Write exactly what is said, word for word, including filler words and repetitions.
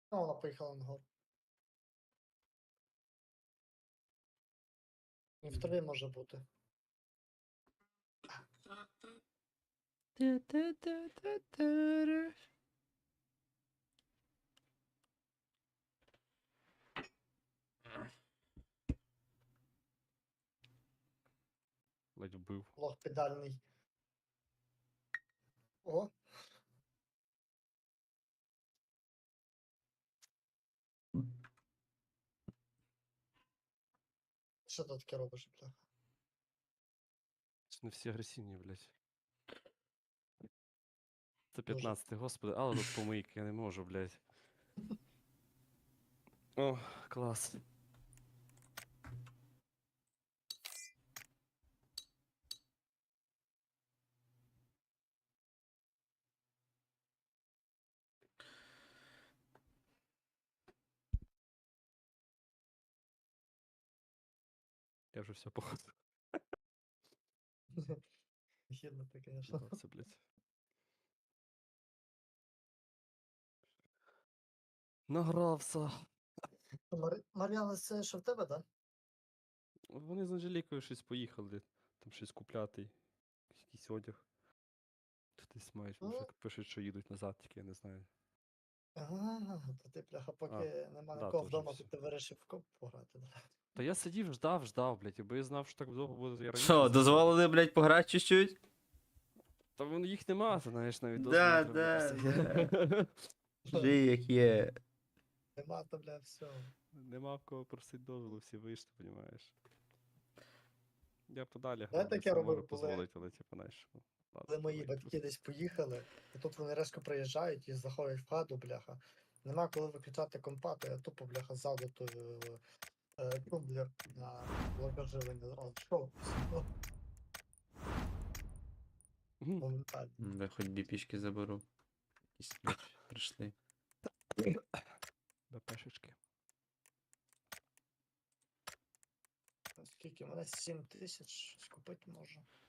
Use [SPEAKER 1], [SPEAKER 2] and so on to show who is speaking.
[SPEAKER 1] Ну, вона поїхала на гору. І в траві може бути.
[SPEAKER 2] Та-та-та-та-та-ра. Ледь вбив.
[SPEAKER 1] Лох педальний. О! Що ти таке робиш, бляха?
[SPEAKER 2] Це не всі агресивні, блядь. Це
[SPEAKER 1] Дуже.
[SPEAKER 2] п'ятнадцятий, господи, але тут помийки, я не можу, блядь. О, клас. Я вже все походу.
[SPEAKER 1] Хідно ти, звісно.
[SPEAKER 2] Награвся, блядь. Награвся.
[SPEAKER 1] Мар... Мар'яна, це що в тебе, так?
[SPEAKER 2] Вони з Анжелікою щось поїхали. Там щось купляти. Якийсь одяг. Тут десь мають,
[SPEAKER 1] Ну.
[SPEAKER 2] вже пишуть, що їдуть назад, тільки я не знаю.
[SPEAKER 1] Ага, то ти, бляха, поки
[SPEAKER 2] А,
[SPEAKER 1] нема
[SPEAKER 2] да,
[SPEAKER 1] нікого
[SPEAKER 2] то вже
[SPEAKER 1] вдома, то
[SPEAKER 2] всё.
[SPEAKER 1] ти вирішив в коп пограти, да?
[SPEAKER 2] Та я сидів, ждав, ждав, блядь, якби я знав, що так довго буде, я раніше
[SPEAKER 3] Що,
[SPEAKER 2] заходив.
[SPEAKER 3] дозволили, блядь, пограти чуть-чуть?
[SPEAKER 2] Та вон їх нема, ти знаєш, навіть
[SPEAKER 3] Да,
[SPEAKER 2] дозволу
[SPEAKER 3] да,
[SPEAKER 2] треба просити.
[SPEAKER 3] Жи, як є.
[SPEAKER 1] Нема, то, бля, все.
[SPEAKER 2] Нема в кого просити дозволу, всі вийшли, понімаєш. Я подалі
[SPEAKER 1] Я
[SPEAKER 2] грав,
[SPEAKER 1] таке
[SPEAKER 2] це можу
[SPEAKER 1] робив, коли-
[SPEAKER 2] дозволити, але типу, знаєш. ну, ладно,
[SPEAKER 1] Коли мої
[SPEAKER 2] давай,
[SPEAKER 1] батьки десь поїхали, і тут вони резко приїжджають і заходять в хату, бляха. Нема коли виключати компа, то я тупо, бляха, ззаду то, е, тумблер на влагоживлення зразу. Що?
[SPEAKER 2] Мгм.
[SPEAKER 1] Моментально.
[SPEAKER 3] М, Я хоч біпішки заберу. Якісь, блядь, прийшли.
[SPEAKER 2] БПшечки.
[SPEAKER 1] Скільки? У мене сім тисяч, щось купити можу.